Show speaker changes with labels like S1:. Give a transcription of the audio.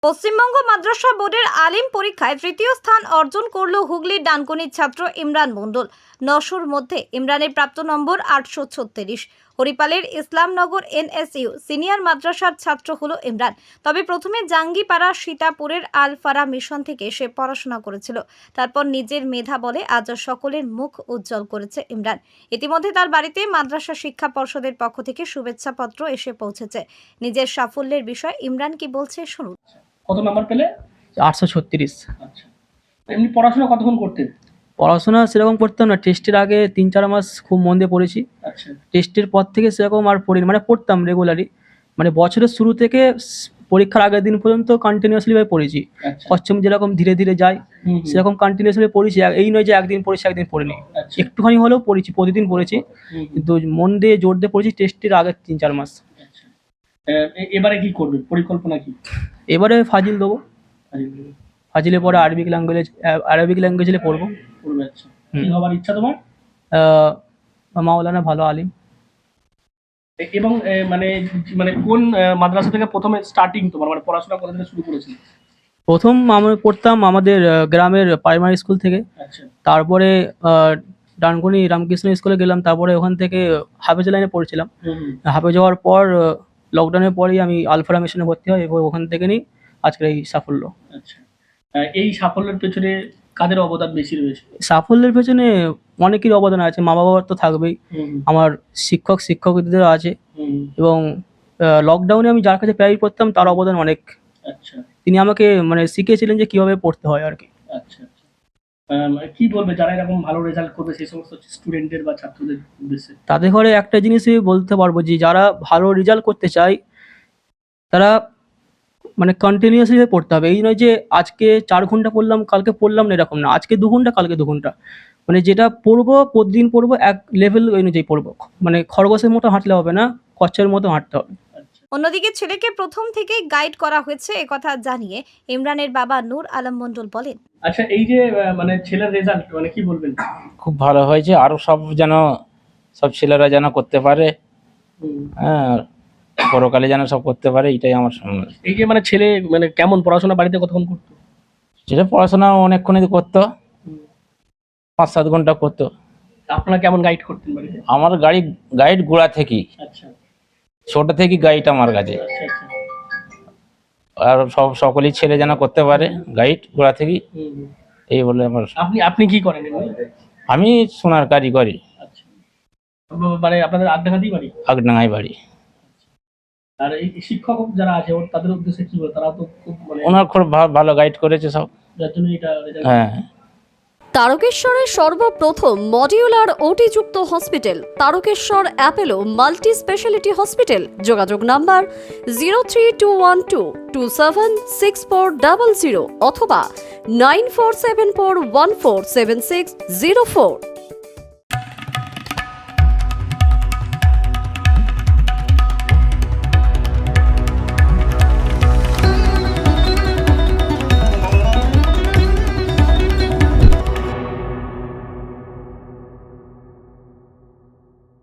S1: পশ্চিমবঙ্গ মাদ্রাসা বোর্ডের আলিম পরীক্ষায় তৃতীয় স্থান অর্জন করল হুগলির ডানকুনির ছাত্র ইমরান মণ্ডল। 900-র মধ্যে ইমরানের প্রাপ্ত নম্বর 836। হরিপালের ইসলামনগর NSU সিনিয়র মাদ্রাসার ছাত্র হলো ইমরান। তবে প্রথমে জাঙ্গিপাড়া সীতাপুরের আল ফারা মিশন থেকে সে পড়াশোনা করেছিল। তারপর নিজের মেধা বলে আজ সকলের মুখ উজ্জ্বল করেছে ইমরান। ইতিমধ্যে তার বাড়িতে মাদ্রাসা শিক্ষা পর্ষদের পক্ষ থেকে শুভেচ্ছাপত্র এসে পৌঁছেছে। নিজের সাফল্যের বিষয়ে ইমরান কি বলছে শুনুন।
S2: কত নাম্বার পেলে?
S3: 836।
S2: আচ্ছা, এমনি পড়াশোনা কতক্ষণ করতেন?
S3: পড়াশোনা সেরকম করতাম না। টেস্টের আগে 3-4 মাস খুব মন দিয়ে পড়েছি।
S2: আচ্ছা,
S3: টেস্টের পর থেকে সেরকম আর পড়িনি, মানে পড়তাম রেগুলারই, মানে বছরের শুরু থেকে পরীক্ষার আগের দিন পর্যন্ত কন্টিনিউয়াসলি ভাবে পড়েছি।
S2: আচ্ছা,
S3: পশ্চিম যেরকম ধীরে ধীরে যায় সেরকম কন্টিনিউয়াসলি পড়েছি। এই নয় যে একদিন পড়েছি একদিন পড়িনি,
S2: আচ্ছা,
S3: একটুখানি হলেও পড়েছি, প্রতিদিন পড়েছি, কিন্তু মন দিয়ে জোর দিয়ে পড়েছি টেস্টের আগের 3-4 মাস।
S2: আচ্ছা। এবারে কি করবে, পরিকল্পনা কি?
S3: এবারে ফাজিল দেবো, ফাজিলে পরে আরবিক ল্যাঙ্গুয়েজে পড়বো।
S2: করবে? আচ্ছা, কি হবার ইচ্ছা তোমার?
S3: মাওলানা ভালো আলিম।
S2: এবং মানে মানে কোন মাদ্রাসা থেকে প্রথমে স্টার্টিং তোমার, মানে পড়াশোনা কোথা থেকে শুরু করেছিলে?
S3: প্রথম আমরা পড়তাম আমাদের গ্রামের প্রাইমারি স্কুল থেকে।
S2: আচ্ছা,
S3: তারপরে ডানকুনি রামকৃষ্ণ স্কুলে গেলাম, তারপরে ওখান থেকে হাফেজ লাইনে পড়ছিলাম। হাফেজ হওয়ার পর লকডাউনের পরেই আমি আলফারা মিশনে ভর্তি হই এবং ওখান থেকে নিই আজকের এই সাফল্য।
S2: আচ্ছা, এই সাফল্যের পেছনে কাদের অবদান বেশি রয়েছে?
S3: সাফল্যের পেছনে অনেকেরই অবদান আছে, মা বাবার তো থাকবেই, আমার শিক্ষকদেরও আছে, এবং লকডাউনে আমি যার কাছে প্রায় পড়তাম তার অবদান অনেক।
S2: আচ্ছা,
S3: তিনি আমাকে মানে শিখিয়েছিলেন যে কিভাবে পড়তে হয় আর কি।
S2: আচ্ছা, আচ্ছা। কি বলবে যারা এরকম ভালো রেজাল্ট করবে সেই সমস্ত স্টুডেন্টদের বা ছাত্রদের উদ্দেশ্যে?
S3: তাদের ঘরে একটা জিনিসই বলতে পারবো যে যারা ভালো রেজাল্ট করতে চায় তারা মানে কন্টিনিউয়াসলি পড়তে হবে। এই নয় যে আজকে 4 ঘন্টা পড়লাম কালকে পড়লাম না, এরকম না। আজকে 2 ঘন্টা কালকে 2 ঘন্টা, মানে যেটা পড়বো প্রতিদিন পড়বো, এক লেভেল অনুযায়ী পড়বো। মানে খরগোশের মতো হাঁটলে হবে না, কচ্ছের মতো হাঁটতে হবে।
S1: অন্যদিকে ছেলেকে প্রথম থেকেই গাইড করা হয়েছে একথা জানিয়ে ইমরানের বাবা নূর আলম মণ্ডল বলেন।
S2: আচ্ছা, এই যে মানে ছেলের রেজাল্ট মানে কি বলবেন?
S4: খুব ভালো হয়েছে, আরো সব ছেলেরা যেন করতে পারে, হ্যাঁ, পরকালে যেন সব করতে পারে, এটাই আমার সামনে।
S2: এই যে মানে ছেলে মানে কেমন পড়াশোনা বাড়িতে কতক্ষণ করতো?
S4: সেটা পড়াশোনা অনেকক্ষণই করতো, 5-7 ঘন্টা করতো।
S2: আপনারা কেমন গাইড করতেন বাড়িতে?
S4: আমার গাইড গোড়া থেকেই,
S2: আচ্ছা,
S4: ছোট থেকেই গাইড আমার কাছে।
S2: আচ্ছা, আচ্ছা।
S4: আর সকলেই ছেলে যেন করতে পারে, গাইড গোড়া থেকেই, এই বলে আমার।
S2: আপনি কি করেন এমনি?
S4: আমি সোনার কাজই করি।
S2: আচ্ছা, মানে আপনাদের আড্ডাঘাটেই বাড়ি?
S4: আগডাঙ্গাই বাড়ি।
S2: আর এই শিক্ষক যারা আছে তাদের উদ্দেশ্যে কি বলে? তারা তো খুব মানে
S4: ওনার খুব ভালো গাইড করেছে সব,
S2: যার জন্য এটা রেজাল্ট।
S4: হ্যাঁ।
S5: তারকেশ্বরের সর্বপ্রথম মডিউলার ওটি-যুক্ত hospital Tarakeswar Apollo multi speciality hospital. যোগাযোগ নাম্বার 03212276400 অথবা 9474147604।